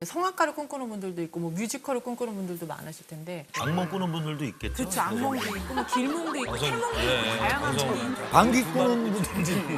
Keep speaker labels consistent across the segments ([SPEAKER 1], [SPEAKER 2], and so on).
[SPEAKER 1] 성악가를 꿈꾸는 분들도 있고 뭐 뮤지컬을 꿈꾸는 분들도 많으실 텐데.
[SPEAKER 2] 악몽 꾸는 분들도 있겠죠.
[SPEAKER 1] 그렇죠. 악몽도 있고 뭐 길몽도 있고 탈몽도 있고 다양한 거.
[SPEAKER 3] 방귀 뀌는 분들도 있고.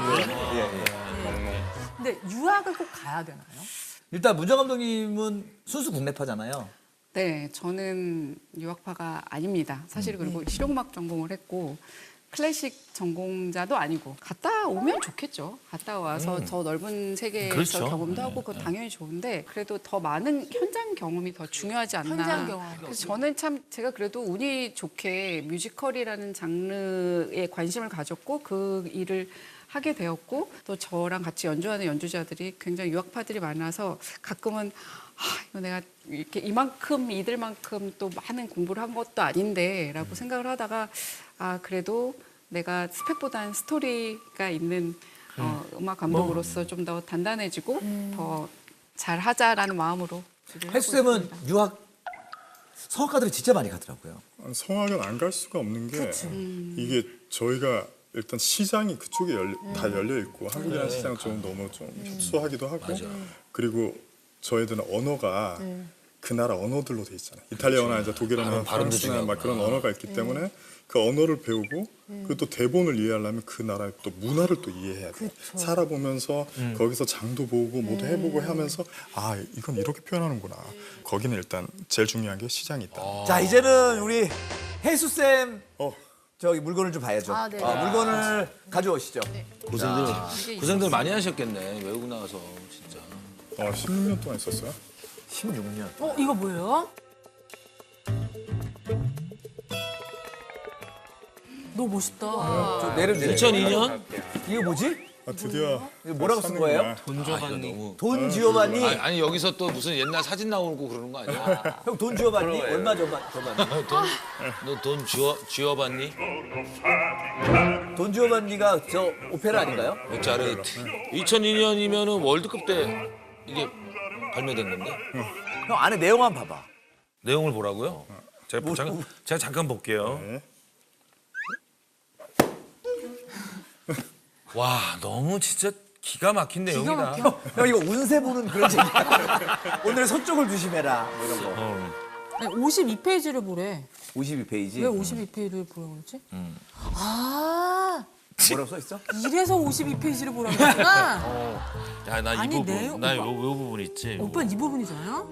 [SPEAKER 1] 근데 유학을 꼭 가야 되나요?
[SPEAKER 3] 일단 문정 감독님은 순수 국내파잖아요.
[SPEAKER 4] 네, 저는 유학파가 아닙니다. 사실 그리고 실용음악 전공을 했고 클래식 전공자도 아니고 갔다 오면 좋겠죠. 갔다 와서 더 넓은 세계에서
[SPEAKER 2] 그렇죠.
[SPEAKER 4] 경험도 하고 그건 당연히 좋은데 그래도 더 많은 현장 경험이 더 중요하지 않나.
[SPEAKER 1] 현장 경험.
[SPEAKER 4] 그래서 저는 참 제가 그래도 운이 좋게 뮤지컬이라는 장르에 관심을 가졌고 그 일을 하게 되었고 또 저랑 같이 연주하는 연주자들이 굉장히 유학파들이 많아서 가끔은 이거 내가 이렇게 이만큼 이들만큼 또 많은 공부를 한 것도 아닌데라고 생각을 하다가 그래도 내가 스펙보다는 스토리가 있는 음악 감독으로서 좀 더 단단해지고 더 잘하자라는 마음으로
[SPEAKER 3] 혜수 쌤은 유학 성악가들이 진짜 많이 가더라고요.
[SPEAKER 5] 성악은 안 갈 수가 없는 게 이게 저희가 일단 시장이 그쪽에 다 열려 있고 한국이라는 시장은 좀 너무 좀 협소하기도 하고 그리고 저희들은 언어가 그 나라 언어들로 돼 있잖아요. 이탈리아어나 이제 독일어나 프랑스나 막 그런 언어가 있기 때문에 그 언어를 배우고 그리고 또 대본을 이해하려면 그 나라의 또 문화를 또 이해해야 돼요. 살아보면서 거기서 장도 보고 뭐도 해보고 하면서 이건 이렇게 표현하는구나. 거기는 일단 제일 중요한 게 시장이 있다.
[SPEAKER 3] 자 이제는 우리 혜수 쌤
[SPEAKER 5] 어.
[SPEAKER 3] 저기 물건을 좀 봐야죠.
[SPEAKER 1] 네.
[SPEAKER 3] 물건을 가져오시죠.
[SPEAKER 2] 고생들 많이 하셨겠네. 외국 나가서 진짜.
[SPEAKER 5] 16년 동안 있었어요.
[SPEAKER 3] 16년.
[SPEAKER 1] 이거 뭐예요? 너무 멋있다.
[SPEAKER 3] 좀 내려.
[SPEAKER 2] 2002년?
[SPEAKER 3] 이거 뭐지?
[SPEAKER 5] 드디어
[SPEAKER 3] 이거 뭐라고 쓴 거예요?
[SPEAKER 2] 돈 줘봤니?
[SPEAKER 3] 돈 지오바니.
[SPEAKER 6] 아니 여기서 또 무슨 옛날 사진 나오고 그러는 거 아니야?
[SPEAKER 3] 형 돈 지오바니 얼마 저반니?
[SPEAKER 6] 너 돈 쥐어봤니?
[SPEAKER 3] 돈 지오바니가 저 오페라 아닌가요?
[SPEAKER 6] 모차르트. 2002년이면은 월드컵 때 이게 발매된 건데?
[SPEAKER 3] 형 안에 내용 한번 봐봐.
[SPEAKER 2] 내용을 보라고요? 제가 잠깐 볼게요.
[SPEAKER 5] 네.
[SPEAKER 2] 와, 너무 진짜 기가 막힌 내용이다.
[SPEAKER 3] 형 이거 운세 보는 그런 얘기야. 오늘 서쪽을 조심해라 뭐 이런 거.
[SPEAKER 1] 52페이지를 보래.
[SPEAKER 3] 52페이지.
[SPEAKER 1] 왜 52페이지를 보라고 그러지?
[SPEAKER 3] 뭐라고 써 있어?
[SPEAKER 1] 이래서 52페이지를 보라고 그러구나.
[SPEAKER 2] 야, 나 이
[SPEAKER 1] 아니,
[SPEAKER 2] 부분,
[SPEAKER 1] 내용-
[SPEAKER 2] 나 요 부분 있지.
[SPEAKER 1] 오빠는 이 부분이잖아요?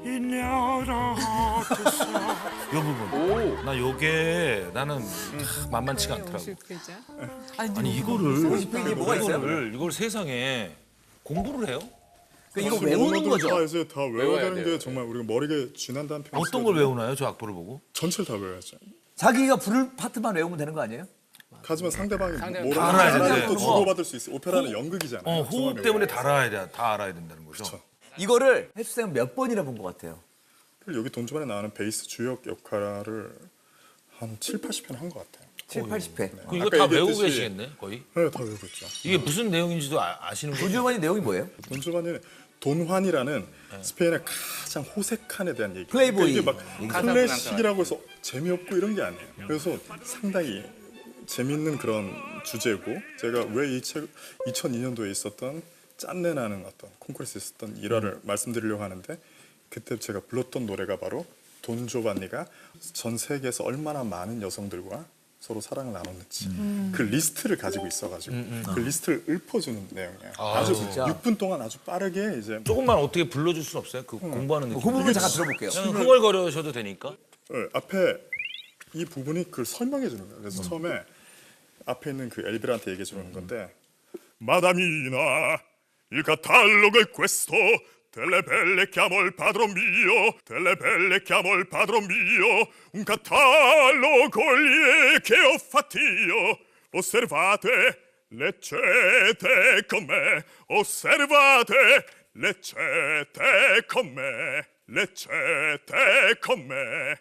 [SPEAKER 2] 요 부분. 나 요게 나는 만만치가 않더라고. 아니 이거를
[SPEAKER 3] 50페이지에 뭐가 있어요?
[SPEAKER 2] 이걸 세상에 공부를 해요?
[SPEAKER 3] 이거 외우는
[SPEAKER 5] 언어들
[SPEAKER 3] 거죠?
[SPEAKER 5] 다 이제 다 외워야 되는 게 정말 우리가 머리가 쥐난다는 표현.
[SPEAKER 2] 어떤 걸 외우나요? 저 악보를 보고?
[SPEAKER 5] 전체를 다 외워야죠.
[SPEAKER 3] 자기가 부를 파트만 외우면 되는 거 아니에요?
[SPEAKER 5] 하지만 상대방이
[SPEAKER 2] 다
[SPEAKER 5] 뭐라고
[SPEAKER 2] 알아야
[SPEAKER 5] 하는지
[SPEAKER 2] 되는데.
[SPEAKER 5] 또 주고받을 수 있어. 오페라는 연극이잖아요.
[SPEAKER 2] 호흡
[SPEAKER 5] 정말
[SPEAKER 2] 때문에
[SPEAKER 5] 외워야
[SPEAKER 2] 다 알아야 된다는 거죠.
[SPEAKER 5] 그렇죠.
[SPEAKER 3] 이거를 혜수 쌤은 몇 번이나 본 것 같아요?
[SPEAKER 5] 그리고 여기 돈주반에 나오는 베이스 주역 역할을 한 7, 80편 한 것 같아요.
[SPEAKER 3] 7, 80회.
[SPEAKER 2] 그럼 이거
[SPEAKER 5] 아까
[SPEAKER 2] 다
[SPEAKER 5] 얘기했듯이-
[SPEAKER 2] 외우고 계시겠네, 거의?
[SPEAKER 5] 네, 다 외우고 있죠.
[SPEAKER 2] 이게 무슨 내용인지도 아시는
[SPEAKER 3] 돈
[SPEAKER 2] 거죠?
[SPEAKER 3] 지오바니 내용이 뭐예요?
[SPEAKER 5] 돈주반에는 돈환이라는 스페인의 가장 호색한에 대한 얘기.
[SPEAKER 3] 플레이보이.
[SPEAKER 5] 이게 막 클래식이라고 해서 재미없고 이런 게 아니에요. 그래서 상당히 재밌는 그런 주제고 제가 왜 이 책 2002년도에 있었던 짠내 나는 어떤 콩쿠르스에 있었던 일화를 말씀드리려고 하는데 그때 제가 불렀던 노래가 바로 돈 조반니가 전 세계에서 얼마나 많은 여성들과 서로 사랑을 나눴는지 그 리스트를 가지고 있어가지고 그 리스트를 읊어주는 내용이에요. 아주
[SPEAKER 3] 진짜?
[SPEAKER 5] 6분 동안 아주 빠르게 이제
[SPEAKER 2] 조금만 어떻게 불러줄 수 없어요? 그 공부하는
[SPEAKER 3] 그
[SPEAKER 2] 느낌.
[SPEAKER 3] 부분 잠깐 들어볼게요.
[SPEAKER 2] 그냥 흥얼거려셔도 되니까.
[SPEAKER 5] 앞에 이 부분이 그걸 설명해 주는 거예요. 그래서 처음에 앞에 있는 그 엘비라한테 얘기해 주는 건데 Madamina, il catalogo è questo delle belle chiamo il padron mio delle belle chiamo il padron mio un catalogo lì che ho fatto io osservate leggete con me osservate leggete con me leggete con me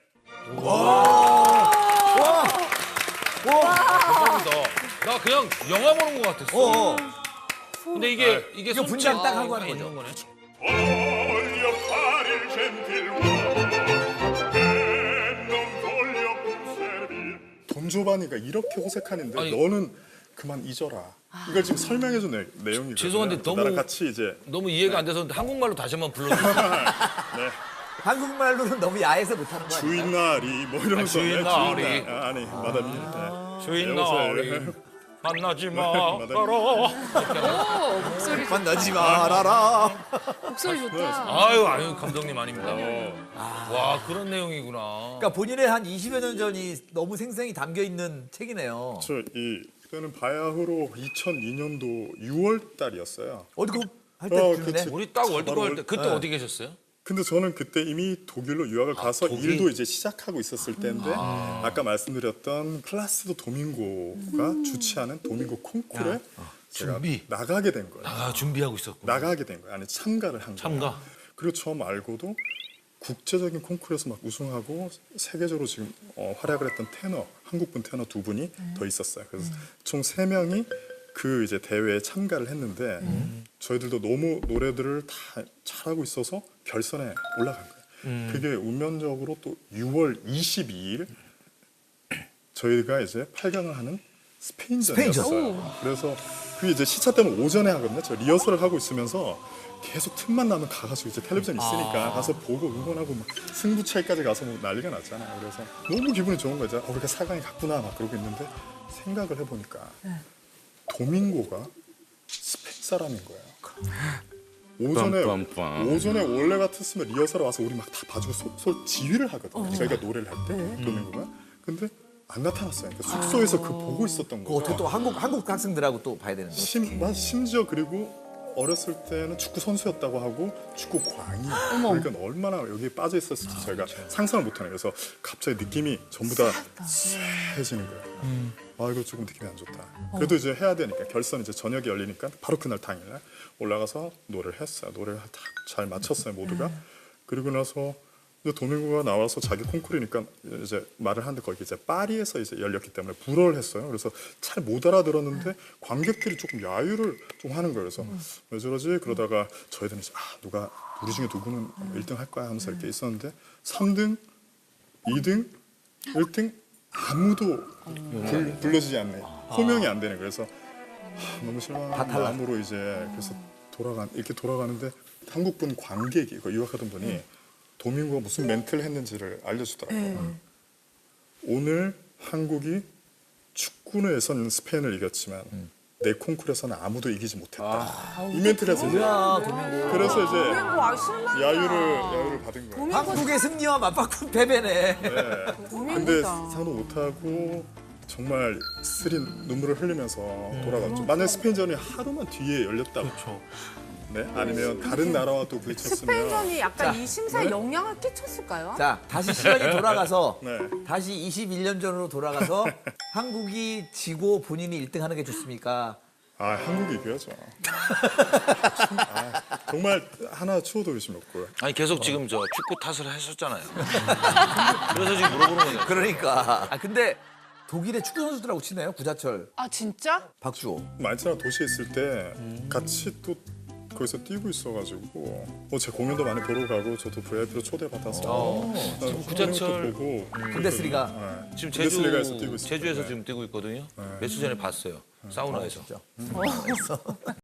[SPEAKER 6] 나 그냥 영화 보는 것 같았어. 근데 이게
[SPEAKER 3] 이거 분장 딱 하고 하는 거죠.
[SPEAKER 6] 있는 거네.
[SPEAKER 5] Voglio fare il gentiluomo e non voglio più servir. 돈조바니가 이렇게 호색하는데
[SPEAKER 6] 아니.
[SPEAKER 5] 너는 그만 잊어라. 이걸 지금 설명해준 내용이거든요.
[SPEAKER 2] 죄송한데 너무-
[SPEAKER 5] 나랑 같이 이제
[SPEAKER 2] 너무 이해가 안 돼서 한국말로 다시 한번 불러주세요.
[SPEAKER 5] 네.
[SPEAKER 3] 한국말로는 너무 야해서 못하는 거 아니에요?
[SPEAKER 5] 주인날이 뭐 이러면서
[SPEAKER 2] 주인날이.
[SPEAKER 5] 주인날. 아니 마담이 네.
[SPEAKER 2] 주인날이 만나지
[SPEAKER 5] 마담이.
[SPEAKER 2] 마라.
[SPEAKER 4] 오, 목소리 좋다.
[SPEAKER 3] 만나지 말아라.
[SPEAKER 4] 목소리 좋다.
[SPEAKER 2] 아유 감독님 아닙니다. 와 그런 내용이구나.
[SPEAKER 3] 그러니까 본인의 한 20여 년 전이 너무 생생히 담겨 있는 책이네요.
[SPEAKER 5] 그때는 바야흐로 2002년도 6월 달이었어요.
[SPEAKER 3] 월드컵 할
[SPEAKER 5] 그치.
[SPEAKER 3] 때쯤이네.
[SPEAKER 2] 우리 딱 월드컵 할 때 그때
[SPEAKER 3] 네.
[SPEAKER 2] 어디 계셨어요?
[SPEAKER 5] 근데 저는 그때 이미 독일로 유학을 가서
[SPEAKER 2] 독일?
[SPEAKER 5] 일도 이제 시작하고 있었을 때인데 아까 말씀드렸던 플라시도 도밍고가 주최하는 도밍고 콩쿠르에 제가
[SPEAKER 2] 준비.
[SPEAKER 5] 나가게 된 거예요.
[SPEAKER 2] 아 준비하고 있었고.
[SPEAKER 5] 나가게 된 거예요. 아니 참가를 한 거예요.
[SPEAKER 2] 참가.
[SPEAKER 5] 그리고 저 말고도 국제적인 콩쿠르에서 막 우승하고 세계적으로 지금 활약을 했던 테너, 한국분 테너 2분이 더 있었어요. 그래서 총 3명이 그 이제 대회에 참가를 했는데 저희들도 너무 노래들을 다 잘하고 있어서 결선에 올라간 거예요. 그게 운명적으로 또 6월 22일 저희가 이제 8강을 하는 스페인전이었어요. 그래서 그게 이제 시차 때는 오전에 하거든요. 저 리허설을 하고 있으면서 계속 틈만 나면 가가지고 이제 텔레비전 있으니까 가서 보고 응원하고 막 승부차이까지 가서 뭐 난리가 났잖아요. 그래서 너무 기분이 좋은 거죠. 우리가 4강에 갔구나 막 그러고 있는데 생각을 해보니까 도밍고가 스페인 사람인 거예요. 오전에 원래 같았으면 리허설에 와서 우리 막 다 봐주고 지휘를 하거든요. 저희가 노래를 할 때 도밍고가. 근데 안 나타났어요. 그러니까 숙소에서 그 보고 있었던
[SPEAKER 3] 그 어떻게
[SPEAKER 5] 거예요.
[SPEAKER 3] 또 한국 학생들하고 또 봐야 되는 거.
[SPEAKER 5] 심지어 그리고 어렸을 때는 축구 선수였다고 하고 축구 광이 그러니까 얼마나 여기에 빠져 있었을지 저희가 상상을 못하네요. 그래서 갑자기 느낌이 전부 다 쎄해지는 거예요. 아 이거 조금 느낌이 안 좋다. 그래도 이제 해야 되니까 결선 이제 저녁에 열리니까 바로 그날 당일날 올라가서 노래를 했어요. 노래를 다 잘 맞췄어요 모두가. 그리고 나서 이제 도밍고가 나와서 자기 콩쿠르니까 이제 말을 하는데 거기 이제 파리에서 이제 열렸기 때문에 불어를 했어요. 그래서 잘 못 알아들었는데 관객들이 조금 야유를 좀 하는 거예요. 그래서 왜 저러지? 그러다가 저희들은 이제 누가 우리 중에 누구는 1등 할 거야 하면서 이렇게 있었는데 3등, 2등, 1등 아무도 불러주지 않네. 호명이 안 되는 거예요. 그래서 너무 실망한 마음으로 이제 그래서 이렇게 돌아가는데 한국분 관객이 그 유학하던 분이 도밍고가 무슨 멘트를 했는지를 알려주더라고요. 오늘 한국이 축구에서는 스페인을 이겼지만 내 콩쿠르에서는 아무도 이기지 못했다. 이 멘트를 했어요.
[SPEAKER 3] 뭐야 도민고.
[SPEAKER 5] 그래서 이제
[SPEAKER 1] 와 실망이야.
[SPEAKER 5] 야유를 받은 거예요.
[SPEAKER 3] 한국의 승리와 맞바꾼 패배네.
[SPEAKER 5] 근데 상도 못하고 정말 쓰린 눈물을 흘리면서 돌아갔죠. 만약 스페인전이 하루만 뒤에 열렸다면 네? 아니면 다른 나라와 또 부딪혔으면
[SPEAKER 1] 스페인전이 약간
[SPEAKER 3] 자,
[SPEAKER 1] 이 심사에 영향을 끼쳤을까요?
[SPEAKER 3] 자 다시 시간이 돌아가서
[SPEAKER 5] 네.
[SPEAKER 3] 다시 21년 전으로 돌아가서 한국이 지고 본인이 1등하는 게 좋습니까?
[SPEAKER 5] 한국이 이겨야죠. 정말 하나 추워도 의심이 없고요.
[SPEAKER 2] 아니 계속 지금 저 축구 탓을 하셨잖아요. 그래서 지금 물어보는 거예요.
[SPEAKER 3] 그러니까. 근데 독일의 축구 선수들하고 치네요. 구자철,
[SPEAKER 1] 아 진짜?
[SPEAKER 3] 박주호.
[SPEAKER 5] 만체나 도시에 있을 때 같이 또 거기서 뛰고 있어가지고 제 공연도 많이 보러 가고 저도 VIP로 초대받아서
[SPEAKER 2] 구자철
[SPEAKER 5] 보고
[SPEAKER 3] 분데스리가.
[SPEAKER 2] 지금
[SPEAKER 5] 분데스리가에서 뛰고 있어요.
[SPEAKER 2] 제주에서
[SPEAKER 5] 네.
[SPEAKER 2] 지금 뛰고 있거든요. 며칠 전에 봤어요. 사우나에서.